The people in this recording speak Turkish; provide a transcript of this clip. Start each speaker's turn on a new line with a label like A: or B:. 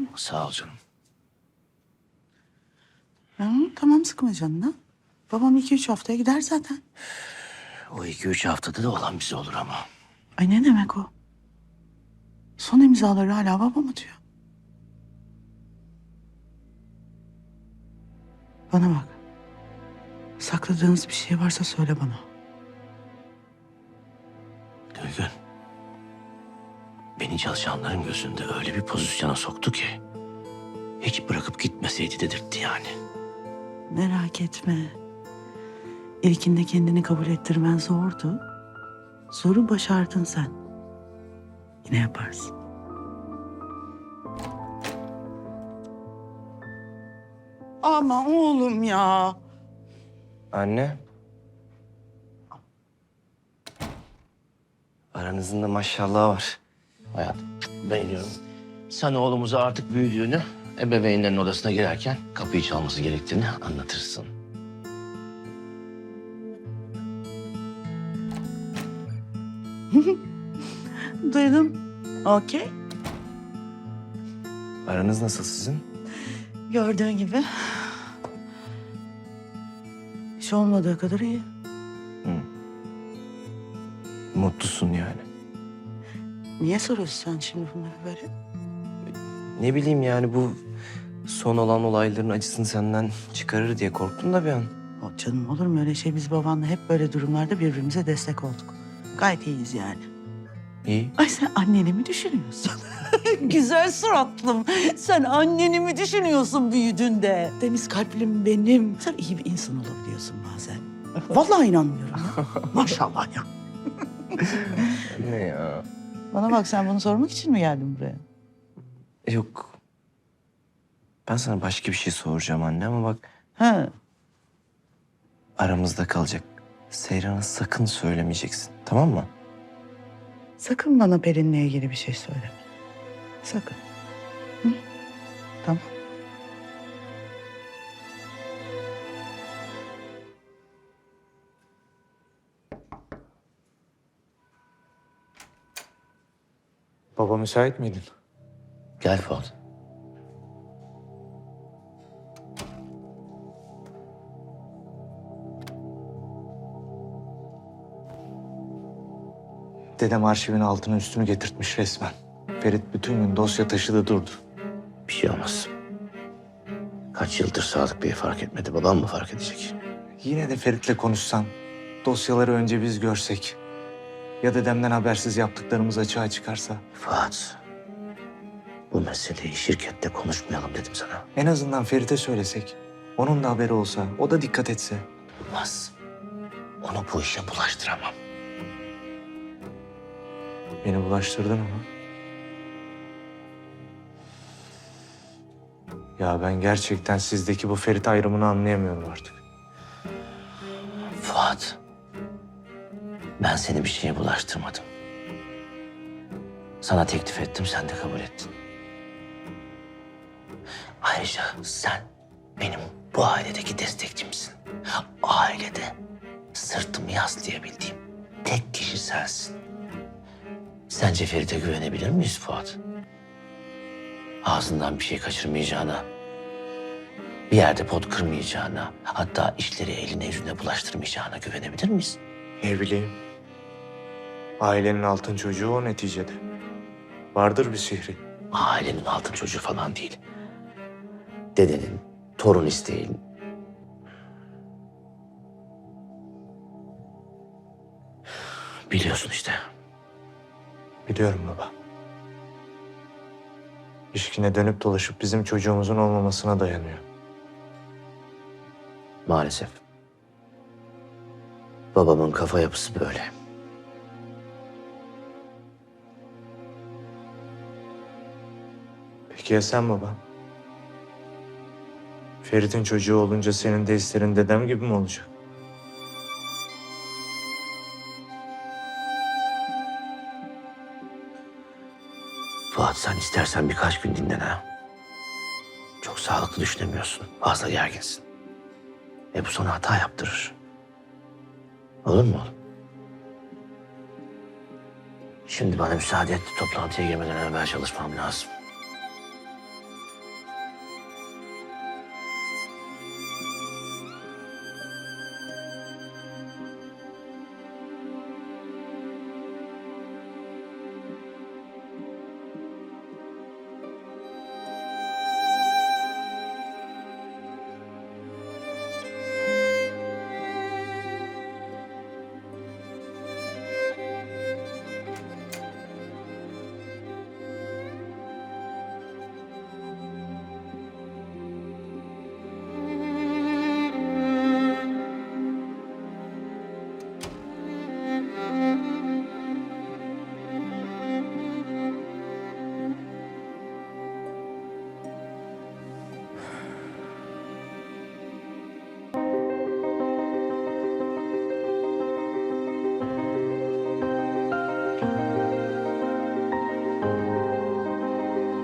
A: Sağ ol canım.
B: Tamam sıkma canını. Babam 2-3 haftaya gider zaten.
A: O 2-3 haftada da olan bize olur ama.
B: Ay ne demek o? Son imzaları hala babam atıyor. Bana bak. Sakladığınız bir şey varsa söyle bana.
A: Gülgün. Beni çalışanların gözünde öyle bir pozisyona soktu ki... ...hiç bırakıp gitmeseydi dedirtti yani.
B: Merak etme. İlkinde kendini kabul ettirmen zordu. Zoru başardın sen. Yine yaparsın. Ama oğlum ya.
C: Anne. Aranızın da maşallah var.
A: Hayatım, beğeniyorum. Sen oğlumuza artık büyüdüğünü... ...ebeveynlerin odasına girerken kapıyı çalması gerektiğini anlatırsın.
B: Duydum. Okey.
C: Aranız nasıl sizin?
B: Gördüğün gibi. Hiç olmadığı kadar iyi.
C: Mutlusun yani.
B: Niye soruyorsun sen şimdi bunları böyle?
C: Ne bileyim yani bu son olan olayların acısını senden çıkarır diye korktum da bir an.
B: O canım olur mu öyle şey? Biz babanla hep böyle durumlarda birbirimize destek olduk. Gayet iyiyiz yani.
C: İyi.
B: Ay sen anneni mi düşünüyorsun? Güzel suratlım. Sen anneni mi düşünüyorsun büyüdüğünde? Deniz kalplim benim. Sen iyi bir insan olabiliyorsun bazen. Vallahi inanmıyorum ya. Maşallah ya.
C: Ne ya?
B: Bana bak sen bunu sormak için mi geldin buraya?
C: Yok. Ben sana başka bir şey soracağım anne ama bak
B: Ha.
C: aramızda kalacak. Seyran'a sakın söylemeyeceksin, tamam mı?
B: Sakın bana Pelin'le ilgili bir şey söyleme. Sakın. Hı? Tamam.
D: Baba müsait miydin?
A: Gel Fuat.
D: Dedem arşivin altını üstünü getirtmiş resmen. Ferit bütün gün dosya taşıdı durdu.
A: Bir şey olmaz. Kaç yıldır Sadık Bey fark etmedi. Babam mı fark edecek?
D: Yine de Ferit'le konuşsan, dosyaları önce biz görsek. Ya dedemden habersiz yaptıklarımız açığa çıkarsa.
A: Fuat. Bu meseleyi şirkette konuşmayalım dedim sana.
D: En azından Ferit'e söylesek. Onun da haberi olsa, o da dikkat etse.
A: Olmaz. Onu bu işe bulaştıramam.
D: Beni bulaştırdın ama. Ya ben gerçekten sizdeki bu Ferit ayrımını anlayamıyorum artık.
A: Fuat. Ben seni bir şeye bulaştırmadım. Sana teklif ettim, sen de kabul ettin. Ayrıca sen benim bu ailedeki destekçimsin. Ailede sırtımı yaslayabildiğim tek kişi sensin. Sence Ferit'e güvenebilir miyiz Fuat? Ağzından bir şey kaçırmayacağına, bir yerde pot kırmayacağına, hatta işleri eline yüzüne bulaştırmayacağına güvenebilir miyiz?
D: Ne bileyim. Ailenin altın çocuğu o neticede. Vardır bir sihri.
A: Ailenin altın çocuğu falan değil. Dedenin, torun isteğin. Biliyorsun işte.
D: Biliyorum baba. İlişkine dönüp dolaşıp bizim çocuğumuzun olmamasına dayanıyor.
A: Maalesef. Babamın kafa yapısı böyle.
D: Peki ya sen baba? Ferit'in çocuğu olunca senin de hislerin dedem gibi mi olacak?
A: Fuat sen istersen birkaç gün dinlen ha. Çok sağlıklı düşünemiyorsun. Fazla gerginsin. Bu sana hata yaptırır. Olur mu oğlum? Şimdi bana müsaade et. Toplantıya girmeden evvel çalışmam lazım.